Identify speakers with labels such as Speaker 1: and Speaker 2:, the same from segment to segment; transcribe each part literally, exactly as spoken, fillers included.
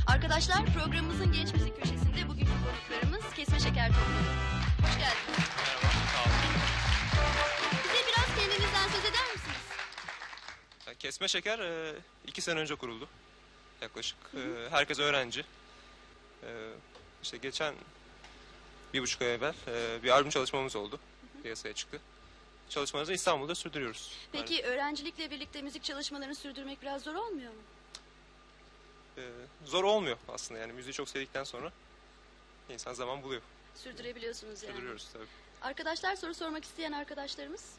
Speaker 1: Arkadaşlar, programımızın genç müzik köşesinde bugünkü konuklarımız Kesme Şeker topluluğu. Hoş geldiniz.
Speaker 2: Merhaba, sağ olun.
Speaker 1: Bize biraz kendinizden söz eder misiniz?
Speaker 2: Kesme Şeker e, iki sene önce kuruldu. Yaklaşık. E, herkes öğrenci. E, işte geçen bir buçuk ay evvel e, bir albüm çalışmamız oldu. Piyasaya çıktı. Çalışmalarımızı İstanbul'da sürdürüyoruz.
Speaker 1: Peki
Speaker 2: Yani,
Speaker 1: öğrencilikle birlikte müzik çalışmalarını sürdürmek biraz zor olmuyor mu?
Speaker 2: e, zor olmuyor aslında, yani müziği çok sevdikten sonra insan zaman buluyor.
Speaker 1: Sürdürebiliyorsunuz yani.
Speaker 2: Sürdürüyoruz tabii.
Speaker 1: Arkadaşlar, soru sormak isteyen arkadaşlarımız.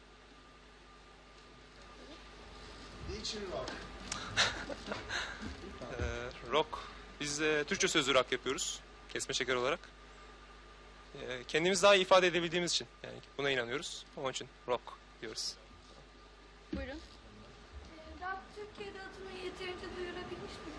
Speaker 3: Niçin rock?
Speaker 2: E, rock. Biz e, Türkçe sözlü rock yapıyoruz. Kesme Şeker olarak. E, kendimizi daha iyi ifade edebildiğimiz için. Yani buna inanıyoruz. Onun için rock diyoruz.
Speaker 1: Buyurun.
Speaker 4: Rock Türkiye'de adını yeterince duyurabilmiş mi?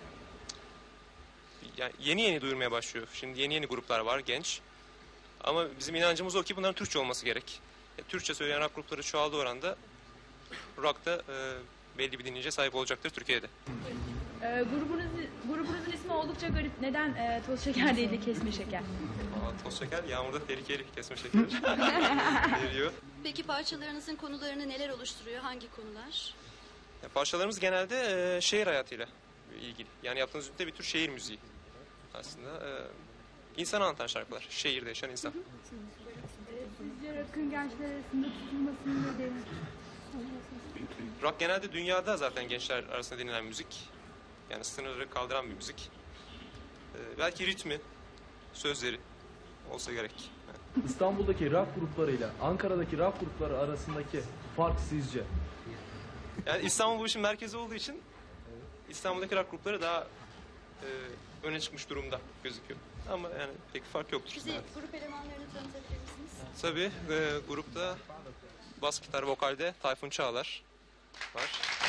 Speaker 2: Yani yeni yeni duyurmaya başlıyor. Şimdi yeni yeni gruplar var, genç. Ama bizim inancımız o ki bunların Türkçe olması gerek. E, Türkçe söyleyen rock grupları çoğaldığı oranda rock da e, belli bir dinleyiciye sahip olacaktır Türkiye'de.
Speaker 5: Ee, grubunuz, grubunuzun ismi oldukça garip. Neden e, toz şeker değil de kesme şeker?
Speaker 2: Aa, toz şeker, yağmurda tehlikeli kesme şekeri veriyor.
Speaker 1: Peki parçalarınızın konularını neler oluşturuyor? Hangi konular?
Speaker 2: Ya, parçalarımız genelde e, şehir hayatıyla ilgili. Yani yaptığımız müzikte bir tür şehir müziği. Aslında e, insan anlatan şarkılar. Şehirde yaşayan insan.
Speaker 5: Sizce rock'ın gençler arasında tutulmasının nedeni?
Speaker 2: Rock genelde dünyada zaten gençler arasında dinlenen müzik. Yani sınırları kaldıran bir müzik. Ee, belki ritmi, sözleri olsa gerek. Yani
Speaker 6: İstanbul'daki rock gruplarıyla Ankara'daki rock grupları arasındaki fark sizce?
Speaker 2: Yani İstanbul bu işin merkezi olduğu için İstanbul'daki rock grupları daha e, öne çıkmış durumda gözüküyor. Ama yani pek fark yoktur.
Speaker 1: Bize
Speaker 2: Evet.
Speaker 1: grup elemanlarını tanıtabilir misiniz?
Speaker 2: Tabii e, grupta bas gitar vokalde Tayfun Çağlar var.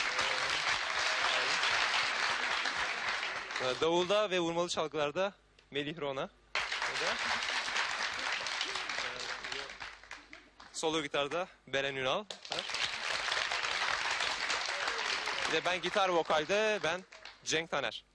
Speaker 2: Ee, Davulda ve vurmalı çalgılarda Melih Rona. O da. Ee, Solo gitarda Beren Ünal var. Bir de ben gitar vokalde ben Cenk Taner.